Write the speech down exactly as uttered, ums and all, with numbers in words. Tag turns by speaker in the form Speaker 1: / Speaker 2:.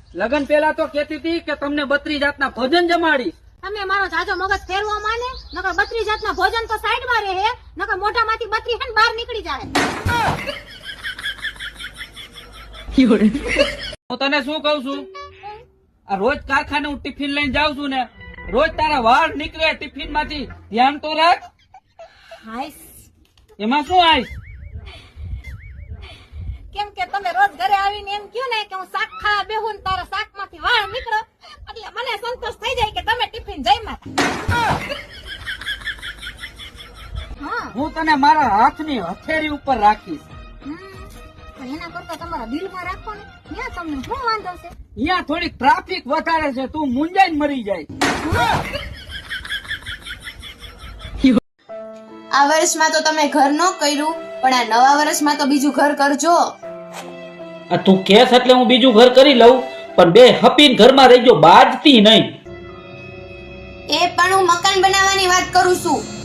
Speaker 1: લગન પેલા તો કેતી હતી કે તમને બત્રી જાતના ભોજન જમાડીશ.
Speaker 2: તમે મારો જાજો મગજ ફેરવો માને નકર બત્રી જાતના ભોજન તો સાઈડમાં રહે નકર મોઢામાંથી બત્રી હે ને બહાર નીકળી જાય.
Speaker 1: હું તને શું કઉ છું, આ રોજ કારખાને હું ટિફિન લઈને જાઉં છું ને, રોજ તારા વાળ નીકળે ટિફિન માંથી, ધ્યાન તો રાખ.
Speaker 2: હાઈસ
Speaker 1: એમાં શું આઈશ?
Speaker 2: કેમ કે તમે રોજ ઘરે આવીને એમ કહ્યું ને કે હું શાક ખાવા બેહું ને તારા શાકમાંથી વાળ નીકળો એટલે મને સંતોષ થઈ જાય કે તમે ટિફિન જમ્યા. હા
Speaker 1: હું તને મારા હાથની હથેળી ઉપર રાખીશ.
Speaker 2: પણ એના કરતા તમારા દિલમાં રાખો ને ત્યાં તમને શું વાંધો છે?
Speaker 1: અહીંયા થોડીક ટ્રાફિક વધારે છે, તું મુંજાઈને મરી જાય.
Speaker 3: આ વર્ષમાં તો તમે ઘર ન કર્યું પણ આ નવા વર્ષમાં તો બીજું ઘર કરજો.
Speaker 1: આ તું કેસ એટલે હું બીજું ઘર કરી લઉં, પણ બે હપીન ઘરમાં રહી ગયો, બાજતી નહીં.
Speaker 3: એ પણ હું મકાન બનાવવાની વાત કરું છું.